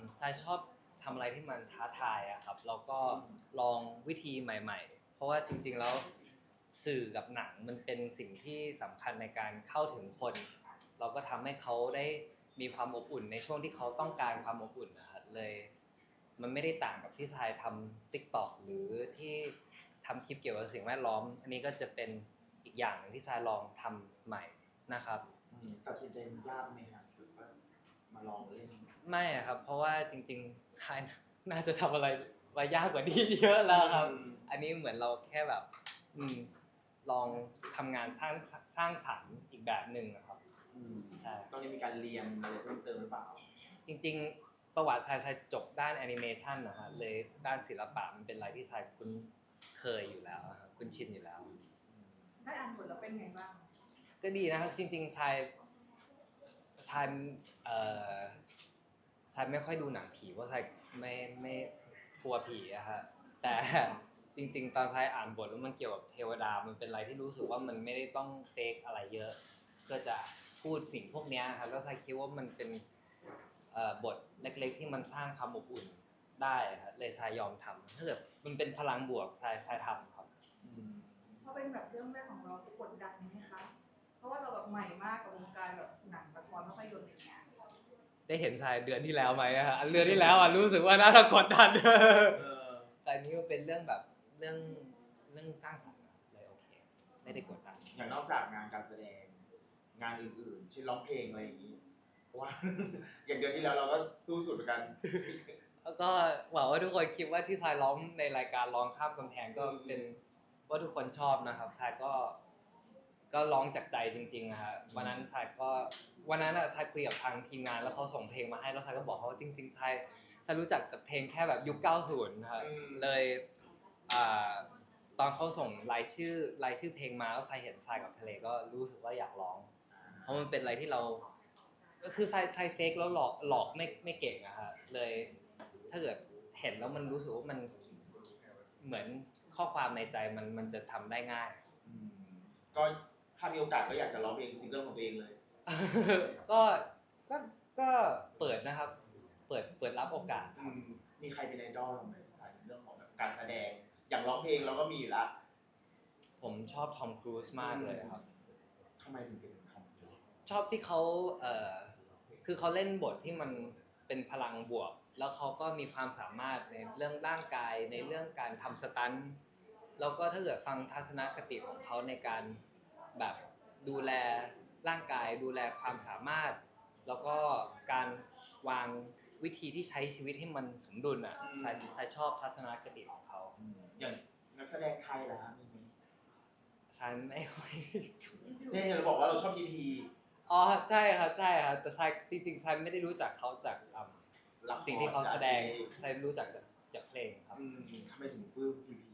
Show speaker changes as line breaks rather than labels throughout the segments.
ทรายชอบทำอะไรที่มันท้าทายอะครับแล้วก็ลองวิธีใหม่ๆเพราะว่าจริงๆแล้วสื่อกับหนังมันเป็นสิ่งที่สำคัญในการเข้าถึงคนเราก็ทำให้เขาได้มีความอบอุ่นในช่วงที่เขาต้องการความอบอุ่นนะครับเลยมันไม่ได้ต่างกับที่ทรายทำ TikTok หรือที่ทำคลิปเกี่ยวกับสิ่งแวดล้อมอันนี้ก็จะเป็นอีกอย่างหนึ่งที่ทรายลองทำใหม่นะครับ
ตัดสินใจมันยากไหมครับหรือว่ามาลองเล่น
ไม่ครับเพราะว่าจริงๆทรายน่าจะทำอะไรมายากกว่านี้เยอะแล้วครับอันนี้เหมือนเราแค่แบบลองทำงานสร้างสรรค์อีกแบบหนึ่งครับ
ใช่ตอนนี้มีการเรียนอะไรเพิ่มเติมหรือเปล่า
จริงๆประวัติทรายจบด้านแอนิเมชันนะฮะเลยด้านศิลปะมันเป็นอะไรที่ทรายคุ้นเคยอยู่แล้วครับคุ้นชินอยู่แล้ว
ได้อ่านบทแล้วเป็นไงบ้าง
ก็ดีนะครับจริงๆทรายทรายไม่ค่อยดูหนังผีเพราะทรายไม่กลัวผีอะฮะแต่จริงๆตอนทรายอ่านบทแล้วมันเกี่ยวกับเทวดามันเป็นอะไรที่รู้สึกว่ามันไม่ได้ต้องเฟกอะไรเยอะก็จะพูดสิ่งพวกนี้ครับแล้วทรายคิดว่ามันเป็นบทเล็กๆที่มันสร้างความอบอุ่นได้ครับเลยทรายยอมทำถ้าเกิดมันเป็นพลังบวกทรายทำครับ
เพราะเป็นแบบเรื่องแรกของเรากดดันไหมคะเพราะว่าเราแบบใหม่มากกับวงการแบบหนังละครภาพยนตร์อย่างเงี้ย
ได้เห็นทรายเดือนที่แล้วไหมฮะเดือนที่แล้วรู้สึกว่าน่าจะกดดันแต่อันนี้มันเป็นเรื่องแบบเรื่องสร้างสรรค์เลยโอเคไม่ได้กดดัน
อย่างนอกจากงานการแสดงงานอื่นๆเช่นร้องเพลงอะไรอย่างนี้เพราะว่าอย่างเดือนที่แล้วเราก็สู้สุดเหมือนกัน
แล้วก็หวังว่าทุกคนคิดว่าที่ทรายร้องในรายการร้องข้ามกำแพงก็เป็นว่าทุกคนชอบนะครับทรายก็ร้องจากใจจริงๆนะฮะวันนั้นทรายทรายคุยกับทางทีมงานแล้วเขาส่งเพลงมาให้แล้วทรายก็บอกเขาว่าจริงๆทรายรู้จักแต่เพลงแค่แบบยุค 90 นะครับเลยตอนเขาส่งรายชื่อเพลงมาแล้วทรายเห็นทรายกับทะเลก็รู้สึกว่าอยากร้องเพราะมันเป็นอะไรที่เราก็คือทรายเฟกแล้วหลอกไม่เก่งอะฮะเลยถ้าเกิดเห็นแล้วมันรู้สึกว่ามันเหมือนข้อความในใจมันจะทำได้ง่าย
ก็ถ้ามีโอกาสก็อยากจะร้องเพลงซิงเกิลของตัวเองเลย
ก็ก็เปิดนะครับเปิดรับโอกาส
มีใครเป็นไอดอลเราไหมสายเรื่องของแบบการแสดงอย่างร้องเพลงเราก็มีอยู่แล้ว
ผมชอบทอมครูซมากเลยครับ
ทำไมถึงเป็นทอมครูซ
ชอบที่เขาคือเขาเล่นบทที่มันเป็นพลังบวกแล้วเขาก็มีความสามารถในเรื่องร่างกายในเรื่องการทำสตันท์แล้วก็ถ้าเกิดฟังทัศนคติของเขาในการแบบดูแลร่างกายดูแลความสามารถแล้วก็การวางวิธีที่ใช้ชีวิตให้มันสมดุลอ่ะใครชอบทัศนคติของเขา
อย่างนักแสดงไทยล่ะมีไหม
ฉันไม่ค่อย
เนี่ยเราบอกว่าเราชอบพีพี
อ๋อใช่ครับแต่ทรายจริงๆทรายไม่ได้รู้จักเขาจากสิ่งที่เขาแสดงทรายรู้จักจากเพลงครับ
ทำไมถึงปลื้มพีพี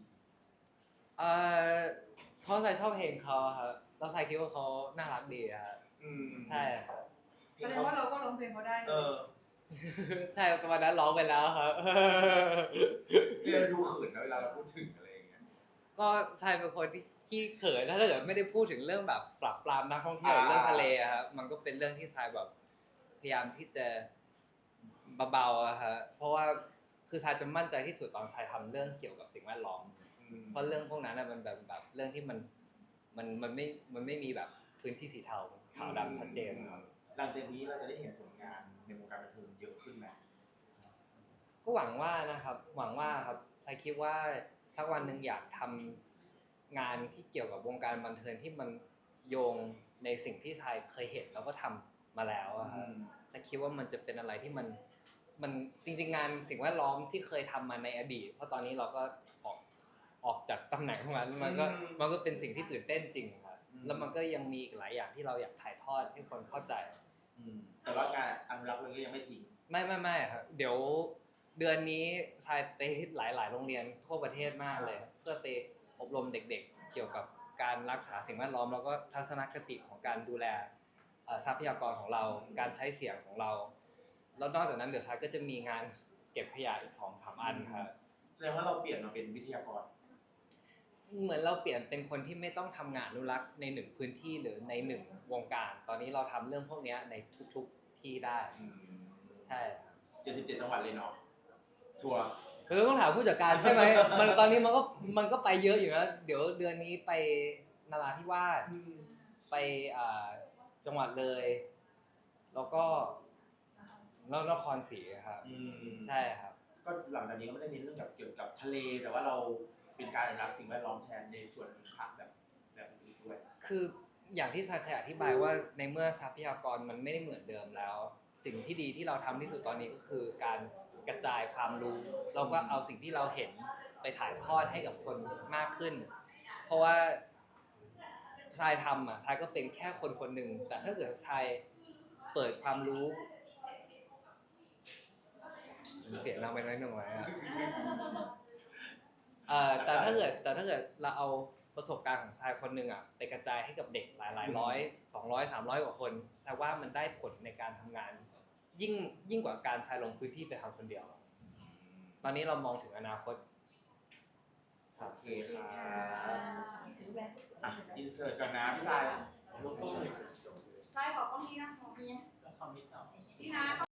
เพราะทรายชอบเพลงเขาครับแล้วทรายคิดว่าเขาน่ารักดีครับใช่ครับ
แสดงว่าเราก็ร้องเพลงเขาได้
ใช่ตอนนั้นร้องไปแล้วครับ
เราดูเขินนะเวลาเราพูดถึงอะไรอย่างเงี้ย
ก็ทรายเป็นคนที่ขี้เขินถ้าเกิดไม่ได้พูดถึงเรื่องแบบปรับปรามนักท่องเที่ยวเรื่องทะเลครับมันก็เป็นเรื่องที่ทรายแบบพยายามที่จะเบาๆอะฮะเพราะว่าคือทรายจะมั่นใจที่สุดตอนทรายทำเรื่องเกี่ยวกับสิ่งแวดล้อมเพราะเรื่องพวกนั้นมันแบบเรื่องที่มันไม่มีแบบพื้นที่สีเทาขาวดำชัดเจนครับ
หลังจากนี้เราจะได้เห็นผลงานในวงการบันเทิงเยอะขึ้นไหม
ก็หวังว่านะครับหวังว่าครับทรายคิดว่าสักวันหนึ่งอยากทำงานที่เกี่ยวกับวงการบันเทิงที่มันโยงในสิ่งที่ทรายเคยเห็นแล้วก็ทำมาแล้วครับทรายคิดว่ามันจะเป็นอะไรที่มันจริงๆงานสิ่งแวดล้อมที่เคยทำมาในอดีตเพราะตอนนี้เราก็ออกจากตำแหน่งของมันก็เป็นสิ่งที่ตื่นเต้นจริงครับแล้วมันก็ยังมีอีกหลายอย่างที่เราอยากถ่ายทอดให้คนเข้าใจ
แต่ว่าการอนุรักษ์มันก็ยังไม่ทิ้ง
ไม่ครับเดี๋ยวเดือนนี้ทายไปหลายโรงเรียนทั่วประเทศมากเลยเพื่อไปอบรมเด็กๆเกี่ยวกับการรักษาสิ่งแวดล้อมแล้วก็ทัศนคติของการดูแลทรัพยากรของเราการใช้เสียงของเราแล้วนอกจากนั้นเดี๋ยวทายก็จะมีงานเก็บขยะอีก 2-3 อันครับ
แสดงว่าเราเปลี่ยนมาเป็นวิทยากร
เหมือนเราเปลี่ยนเป็นคนที่ไม่ต้องทำงานอนุรักษ์ในหนึ่งพื้นที่หรือในหนึ่งวงการตอนนี้เราทำเรื่องพวกนี้ในทุกๆที่ได้ใช่
77 จังหวัดเลยเนาะทัวร์
คือต้องถามผู้จัดการใช่ไหม มันตอนนี้มันก็ไปเยอะอยู่นะเดี๋ยวเดือนนี้ไปนราธิวาสไปจังหวัดเลย แล้วก็นครศรีครับใช่ครับ
ก็หลังจากนี้ก็ไม่ได้เน้นเรื่องเกี่ยวกับทะเล แต่ว่าเราเป็นการอนุรักษ์สิ่งแวดล้อมแทนในส่วนผักแบบอื่นด้วย
คืออย่างที่ทรายเคยอธิบายว่าในเมื่อทรัพยากรมันไม่ได้เหมือนเดิมแล้ว สิ่งที่ดีที่เราทำที่สุดตอนนี้ก็คือการกระจายความรู้เราก็เอาสิ่งที่เราเห็นไปถ่ายทอดให้กับคนมากขึ้น เพราะว่าทรายทำทรายก็เป็นแค่คนคนหนึ่งแต่ถ้าเกิดทรายเปิดความรู้เสียงเราไปน้อยหน่อยแต่ถ้าเกิดเราเอาประสบการณ์ของชายคนหนึ่งไปกระจายให้กับเด็กหลายร้อย200 300 กว่าคนชายว่ามันได้ผลในการทำงานยิ่งกว่าการชายลงพื้นที่ไปทำคนเดียว ตอนนี้เรามองถึงอนาคต
โอเคค่ะอินเสิร์ตก่อนนะพี่ชาย
ใช่ขอกล้องนี้นะคะพี่นะ